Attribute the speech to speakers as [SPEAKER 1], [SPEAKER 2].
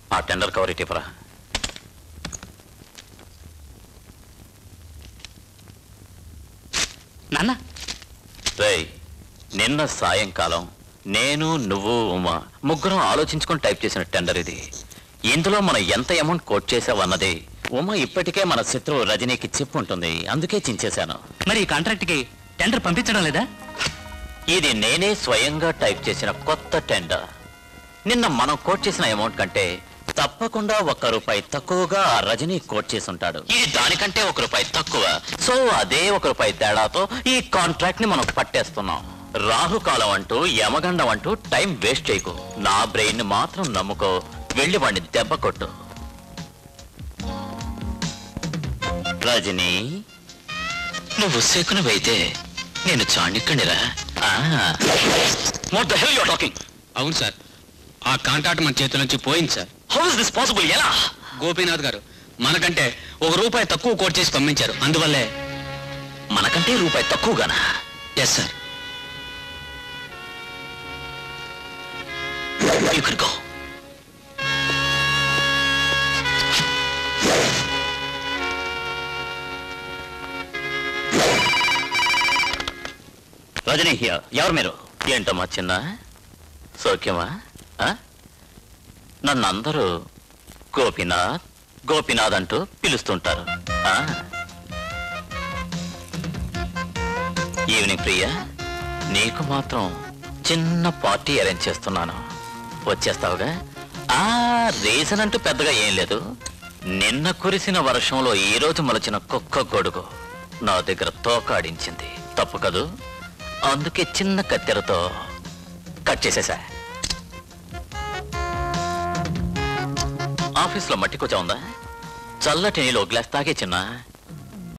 [SPEAKER 1] ఆ tender cover ఇటీవరా.
[SPEAKER 2] నాన్న
[SPEAKER 1] రేయ్, నిన్న సాయంకాలం నేను నువ్వు ఉమా ముగ్గురం ఆలోచించుకొని టైప్ చేసిన టెండర్ ఇది. ఇందులో మనం ఎంత అమౌంట్ కోట్ చేసావన్నది ఉమా ఇప్పటికే మన శత్రువు రజనీకి చెప్పుంటుంది, అందుకే చించేశాను.
[SPEAKER 2] మరి ఈ కాంట్రాక్ట్కి టెండర్ పంపించడం లేదా?
[SPEAKER 1] ఇది నేనే స్వయంగా టైప్ చేసిన కొత్త టెండర్. నిన్న మనం కోట్ చేసిన అమౌంట్ కంటే తప్పకుండా ₹1 తక్కువగా ఆ రజనీ కోట్ చేసి ఉంటాడు. ఇది దానికంటే ₹1 తక్కువ. సో అదే ₹1 తేడాతో ఈ కాంట్రాక్ట్ ని మనం పట్టేస్తున్నాం. రాహుకాలం అంటూ యమగండం అంటూ టైం వేస్ట్ చేయకు. నా బ్రెయిన్ ని మాత్రం నమ్ముకో. వెళ్ళి వాడిని దెబ్బ కొట్టు. రజనీ, నువ్వు శకునవైతే నేను చాణిక్యుడిరా. What the hell you are talking?
[SPEAKER 3] అవును సార్, ఆ కాంట్రాక్ట్ మన చేతుల నుంచి పోయింది sir.
[SPEAKER 1] How is this possible? ఎలా?
[SPEAKER 3] గోపీనాథ్ గారు మనకంటే ₹1 తక్కువ కోట్ చేసి పంపించారు. అందువల్లే.
[SPEAKER 1] మనకంటే ₹1 తక్కువగానా?
[SPEAKER 3] Yes sir.
[SPEAKER 1] You could go. Rajani here. ఎవరు మీరు? ఏంటమ్మా చిన్న సౌఖ్యమా? నన్ను అందరూ గోపీనాథ్ గోపీనాథ్ అంటూ పిలుస్తుంటారు. ఈవినింగ్ ప్రియా, నీకు మాత్రం చిన్న పార్టీ అరేంజ్ చేస్తున్నాను, వచ్చేస్తావుగా? రీజన్ అంటూ పెద్దగా ఏం లేదు. నిన్న కురిసిన వర్షంలో ఈరోజు మలచిన కుక్క గొడుగు నా దగ్గర తోకాడించింది. తప్పు కదూ? అందుకే చిన్న కత్తెరతో కట్ చేసేసా. ఆఫీస్లో మట్టి కూర్చో ఉందా? చల్లటి నీళ్ళు గ్లాస్ తాగే చిన్న.